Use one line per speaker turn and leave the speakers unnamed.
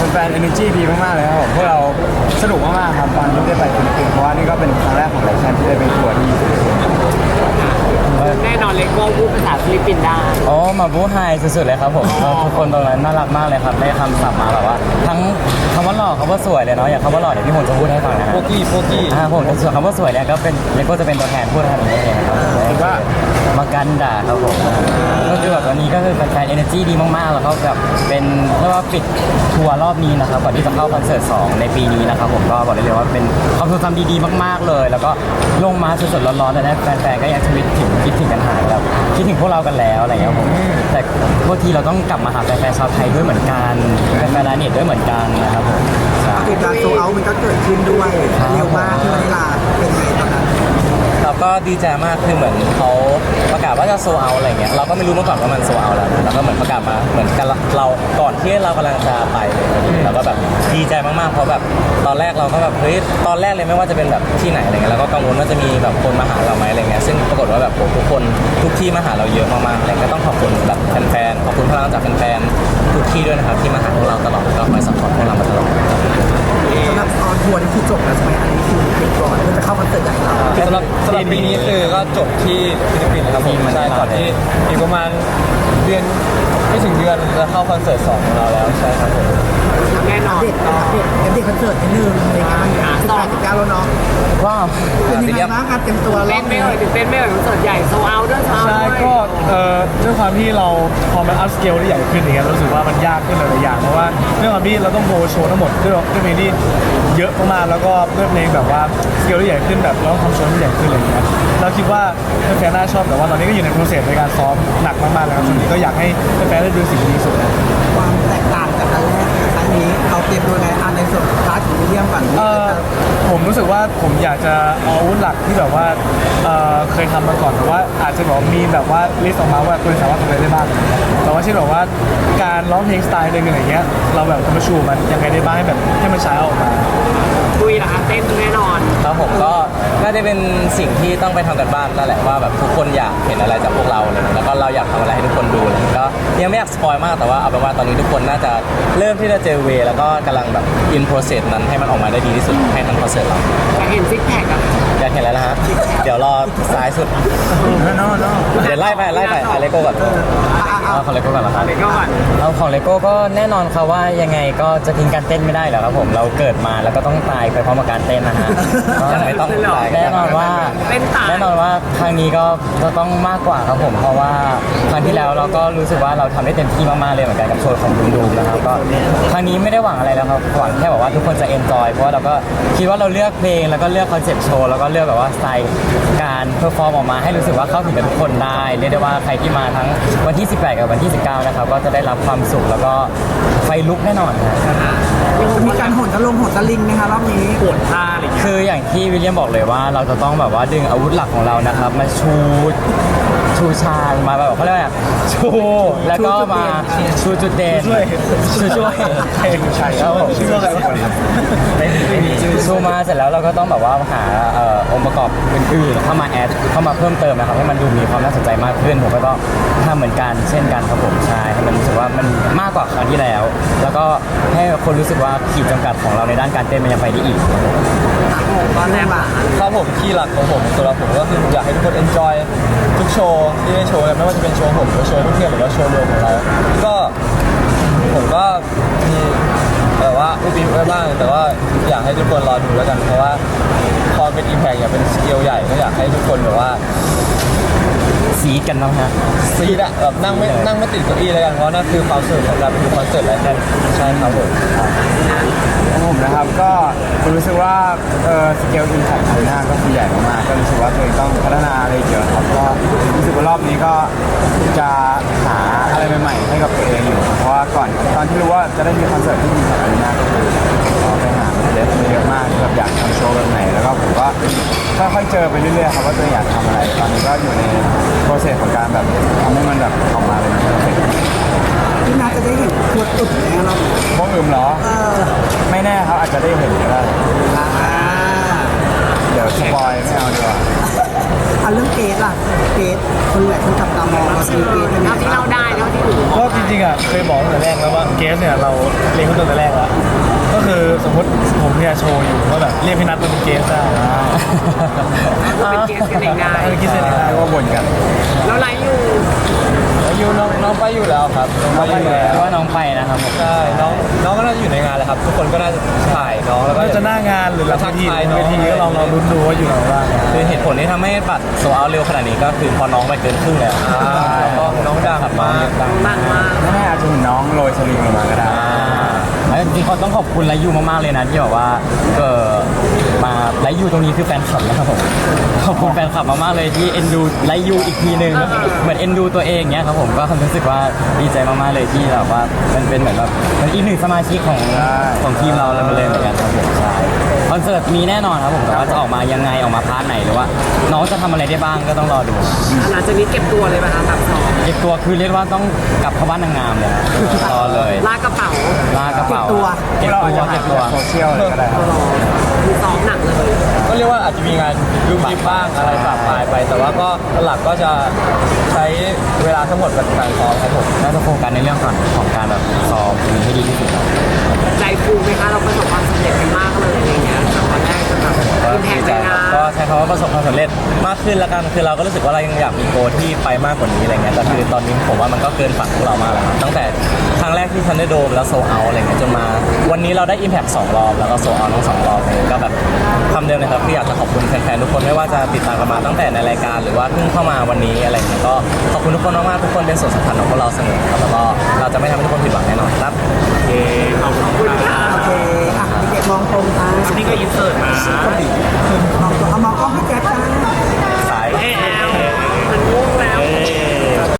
แฟนๆ energy ดีมากๆเลยครับผมพวกเราสนุกมากๆครับตอนที่ได้ไปฟิลิปปินส์เพราะว่านี่ก็เป็นครั้งแรกของรายการที่ได้ไปทัวร์ที่ฟิลิปปินส์
แน่นอนเลโก้พูดภาษาฟิลิปปินส์ได้
อ๋อมาบูไฮสุดๆเลยครับผมทุกคนตรงนั้นน่ารักมากเลยครับได้คำศัพท์มาแบบว่า ทั้งคำว่าหล่อคำว่าสวยเลยเนาะอย่างคำว่าหล่อเดี๋ยวพี่หงจะพูดให้ฟังนะฮะ
โปกี้
ผมส่วนคำว่าสวยเนี่ยก็เป็นเลโก้จะเป็นตัวแทนพูดทำอย่างนี้เองครับ
ว่า
มากันด่าครับผมก็คือแบบวันนี้ก็คือแฟนๆ energy ดีมากๆแล้วก็แบบเป็นเรียกว่าปิดทัวร์รอบนี้นะครับก่อนที่จะเข้าคอนเสิร์ต2ในปีนี้นะครับผมก็บอกได้เลยว่าเป็นความทรงจำดีๆมากๆเลย แล้วก็ลงมาสดๆร้อนๆแต่ได้แฟนๆก็ยังคิดถึงกันหายแบบคิดถึงพวกเรากันแล้วอะไรเงี้ยผมแต่บางทีเราต้องกลับมาหาแฟนๆชาวไทยด้วยเหมือนกันแฟนๆลาเน็ตด้วยเหมือนกันนะครับผมใช่
เหตุการณ์โซเอามันก็เกิดขึ้นด้วยเร็วมากที่วานิลาเป็นไงตอนนั้น
เราก็ดีใจมากคือเหมือนเขาประกาศว่าจะโซเอาอะไรเงี้ยเราก็ไม่รู้มาก่อนว่ามันโซเอาแล้วนะแล้วก็เหมือนประกาศมาเหมือนกันเราก่อนที่เรากำลังจะไปเลยเราก็แบบดีใจมากๆเพราะแบบตอนแรกเราก็แบบเฮ้ยตอนแรกเลยไม่ว่าจะเป็นแบบที่ไหนอะไรเงี้ยเราก็กังวลว่าจะมีแบบคนมาหาเราไหมอะไรเงี้ยซึ่งปรากฏว่าแบบทุกคนทุกที่มาหาเราเยอะมากๆอะไรเงี้ยต้องขอบคุณแบบแฟนๆขอบคุณพลังจากแฟนๆทุกที่ด้วยนะครับที่มาหาพวกเราตลอดก็คอยซัพพอร์ตพวกเรามาตลอด
สำหรับออนทัวร์นี่คือจบแล้วใช่ไหมอันนี้คือปิดก่อนเพื่อจะเข้าคอนเสิร์ตใหญ่เรา
สำหรับปีนี้คือก็จบที่ฟิลิปปินส์นะครับผมใช่ก่อนที่อีกประมาณเดือนไม่ถึงเดือนจะเข้าคอนเสิร์ต2ของเราแล้วใช่ครับผม
แน่นอน
เด็ดเด็ดคอนเสิร์ตนิดนึงในงาน18-19แล้วเนาะ
ว้าว
เป็นยังไงบ้างการเตรียมตัวร
เต้
อน บ
ไม่
นี้
เอ่ยถึงเต้นไม่เอ่ยคอนเสิร์ตใหญ่โซเอาด้วยโซเอา
ใช่
ด้วย
ก็ด้วยความที่เราพอมันอัพสเกลได้ใหญ่ขึ้นอย่างเงี้ยรู้สึกว่ามันยากขึ้นหลายๆอย่างเพราะว่าด้วยความที่เราต้องโบว์โชว์ทั้งหมดด้วยเพลงที่เยอะมากๆแล้วก็ด้วยเพลงแบบว่าสเกลที่ใหญ่ขึ้นแบบเราต้องทำโชว์ที่ใหญ่ขึ้นอะไรอย่างเงี้ยเราคิดว่าแฟนๆน่าชอบแต่ว่าตอนนี้ก็อยู่ในโปรเซสในการซ้อมหนักมากๆแล้วครับช่วงนี้ก็อยากให้แฟนๆได้ดูสิ่งที่ดีที่สุดนะ
ความแตกต่างจากอันแรกกับครั้งนี้เราเตรียมตัวไงอันในส่วนพาร์ทของวิลเลียมก่อน
ผมรู้สึกว่าผมอยากจะเอาอาวุธหลักที่แบบว่าเคยทำมาก่อนแต่ว่าอาจจะแบบมีแบบว่าลิสต์ออกมาว่าคุณสามารถทำอะไรได้บ้างแต่ว่าเช่นแบบว่าการร้องเพลงสไตล์หนึ่งอะไรเงี้ยเราแบบจะมาชูมันยังไงได้บ้างให้แบบให้มันใช้ออกมา
คุยนะคะเต้นแน่นอน
ครับผมก็น่าจะเป็นสิ่งที่ต้องไปทำกันบ้านนั่นแหละว่าแบบทุกคนอยากเห็นอะไรจากพวกเราเลยแล้วก็เราอยากทำอะไรให้ทุกคนดูเลยก็ยังไม่อยากสปอยมากแต่ว่าเอาเป็นว่าตอนนี้ทุกคนน่าจะเริ่มที่จะเจอเวย์แล้วก็กำลังแบบอินโปรเซสนั้นให้มันออกมาได้ดีที่สุดให้ทั้งคอนเสิร์ตเรา
อยากเห็นซิกแพคอะ
อยากเห็นแล้วนะฮะเดี๋ยวรอซ้ายสุด
เนาะ
เดี๋ยวไล่ไปเลโก้ก่อนเอาของเลโก้ก่อนละครับ
เลโก้ก่อน
เอาของเลโก้ก็แน่นอนครับว่ายังไงก็จะทิ้งการเต้นไม่ได้แล้วครับผมเราเกิดมาแล้วก็ต้องตายไปพร้อมกับการเต้นนะฮะก็ไม่ต้องตายแน่นอนว่า
เต้นตาย
แน่นอนว่าครั้งนี้ก็จะต้องมากกว่าครับผมเพราะว่าครั้งที่แล้วเราก็รู้สึกว่าเราทำได้เต็มที่มากๆเลยเหมือนกันกับโชว์ของดูนะครับก็ครั้งนี้ไม่ได้หวังอะไรแล้วครับหวังแค่แบบว่าทุกคนจะเอนจอยเพราะว่าเราก็คิดว่าเราเลือกเพลงแล้วก็เลือกคอนเซ็ปต์โชว์แล้วก็เลือกแบบว่าสไตล์การเพอร์ฟอร์มออกมาให้รู้สึกว่าเข้าถึงกับทุกคนได้เรียกได้ว่าใครที่มาทั้งวันที่ 18 กับวันที่ 19 นะครับก็จะได้รับความสุขแล้วก็ไฟลุกแน่นอนครับ
มีการโหนสลิงนะคะรอบนี้
ปวดท่าอะไรอย่างเงี้ย
คืออย่างที่วิลเลียมบอกเลยว่าเราจะต้องแบบว่าดึงอาวุธหลักของเรานะครับมาชูชาญมาแบบเขาเรียกว่าอะไรชูแล้วก็มาชูจุดเด่นช่วยครับผมชูมาเสร็จแล้วเราก็ต้องแบบว่าหาองค์ประกอบอื่นๆเข้ามาแอดเข้ามาเพิ่มเติมนะครับให้มันดูมีความน่าสนใจมากขึ้นผมก็ต้องทำเหมือนกันเช่นกันครับผมใช่ให้มันรู้สึกว่ามันมากกว่าครั้งที่แล้ว แล้วก็ให้คนรู้สึกว่าขีดจำกัดของเราในด้านการเต้นมันยังไปได้อีก
ตอนแรกอ่ะ
ครับผมคีย์หลักของผมสำหรับผมก็คือผมอยากให้ทุกคน enjoy ทุกโชว์ที่ได้โชว์ไม่ว่าจะเป็นโชว์ผมหรือโชว์เพื่อนหรือว่าโชว์รวมของเราก็ผมก็มีแบบว่าอุบอิบไว้บ้างแต่ว่าอยากให้ทุกคนรอดูแล้วกันเพราะว่าพอเป็น impact อยากเป็นสเกลใหญ่ก็อยากให้ทุกคนแบบว่า
ซีดกันบ้างฮะ
ซีดอะแบบนั่งไม่ติดเก้าอี้แล้วกันเพราะนั่นคือความสนุกของการดูคอนเสิร์ตอะไรนั่นใช่ครับผม
ของผมนะครับก็ผมรู้สึกว่าสเกลอินแพคของหน้าก็คือใหญ่มากๆก็รู้สึกว่าตัวเองต้องพัฒนาอะไรเยอะครับก็รู้สึกว่ารอบนี้ก็จะหาอะไรใหม่ๆให้กับตัวเองอยู่เพราะว่าก่อนตอนที่รู้ว่าจะได้มีคอนเสิร์ตที่อินแพคของหน้าก็คือไปหาเด็กเยอะมากแบบอยากทำโชว์แบบไหนแล้วก็ผมก็ค่อยๆเจอไปเรื่อยๆครับว่าตัวเองอยากทำอะไรตอนนี้ก็อยู่ในโปรเซสของการแบบทำให้มันแบบออกมาเลยนะครับ
ที่น่าจะได้เห็นตัวตุ่นแล้วเรา
บ้องอึมเหรอ ไม่แน่ครับอาจจะได้เห็นก็ได้ เดี๋ยวสปอยไม่เอาดีกว่า
เรื่องเกสล่ะเกสคนแหละคนจับตามองเราคือเกสเป็นไง
เท่าที่
บ้าง
เราได้เท่าที่ดู
ก็จริงๆอ่ะเคยบอกตั้งแต่แรกแล้วว่าเกสเนี่ยเราเรียนเขาตั้งแต่แรกแล้วก็คือสมมติผมเนี่ยโชว์อยู่ว่าแบบเรียกพี่นัทมาเป็นเกสได้
เป็นเกสกันง่าย
เออคิดเสร็จแล้ว
ก็บ่นกัน
ๆแล้วไลฟ์อยู่
ยูน้องไปอยู่แล้วครับน้องไปอยู่แล้ว
ว่าน้องไปนะครับผม
ใช่น้องก็น่าจะอยู่ในงานแหละครับ ทุกคนก็น่าจะถ่ายน้องแล้วก็
ก็จะหน้างานหรือหลังเวที
ทักทายน้อง
เวทีก็ลองลุ้นดูว่าอยู่ไหนบ้าง
คือเหตุผลที่ทำให้บัตรโซเอาเร็วขนาดนี้ก็คือพอน้องไปเกินครึ่งแล้ว
แล้วก็น้องดังมาก
ดัง
ดังมาก
ไม่แน่อาจจะเห็นน้องโรยสลิงลงมาก็ได้
แล้วจริงๆเขาต้องขอบคุณไลยูมากๆเลยนะที่แบบว่ามาไลยูตรงนี้คือแฟนคลับนะครับผมขอบคุณแฟนคลับมากๆเลยที่เอ็นดูไลยูอีกทีนึงเหมือนเอ็นดูตัวเองเนี้ยครับผมก็รู้สึกว่าดีใจมากๆเลยที่แบบว่ามันเป็นเหมือนแบบมันอีกหนึ่งสมาชิกของทีมเราเลยเหมือนกันครับผมใช่คอนเสิร์ตมีแน่นอนครับผมแต่ว่าจะออกมายังไงออกมาพาร์ทไหนหรือว่าน้องจะทำอะไรได้บ้างก็ต้องรอดู
หลังจากนี้เก็บตัวเลยไหมคะแบบสอง
เก็บตัวคือเรียกว่าต้องกลับเข้าบ้านนางงามเลยครับรอเลย
ลากกระเป๋า
ลากระเป๋าเก็บ
เรา
ตั
อาจ
ว
จะหา
เก็บตัว
โซเชียลเลยก็ได้ครับ
คือซ้อมหนักเลย
ก็เรียกว่าอาจจะมีงานยุบยิบบ้างอะไรปรับปลายไป แต่ว่าก็หลักก็จะใช้เวลาทั้งหมดกับการซ้อมครับผม
น่าจะโฟกัสในเรื่องของการแบบซ้อมมีให้ดีที่สุดครับ
ใจฟูไหมคะเราประสบความสำเร็จกันมากเลยอะไรเงี้ยจากวันแรกจนแบบ
ก็
อิมแพ
ดี
ก
ใจ
ใน
ครั
งา
บ
น
ก็ใช้คำว่าประสบความสำเร็จมากขึ้นแล้วกันคือเราก็รู้สึกว่าเรายังอยากมีโกลที่ไปมากกว่านี้อะไรเงี้ยแต่คือตอนนี้ผมว่ามันก็เกินฝันของเรามากแล้วครับตั้งแต่ครั้งแรกที่ทันได้โดมแล้วโซเอาอะไรเงี้ยจนมาวันนี้เราได้ Impact 2 รอบแล้วก็โซเอาทั้ง2 รอบเลยก็แบบคำเดิมเลยครับที่อยากจะขอบคุณแฟนๆทุกคนไม่ว่าจะติดตามกันมาตั้งแต่ในรายการหรือว่าเพิ่งเข้ามาวันนี้อะไรเงี้ยก็ขอบคุณทุกคนมากๆทุกคนเป็นส่วนสำคัญของพวกเราเสมอครับแล้วก็เราจะไม่ทำให้ทุกคนผิดหวังแน่นอนครับ
ขอบคุณค่ะ
โอเคอ่ะเด็กมองตรงค่ะ
นี่ก็อินเสิร์ตมา
เอามองกล้องให้แจ๊คจ้า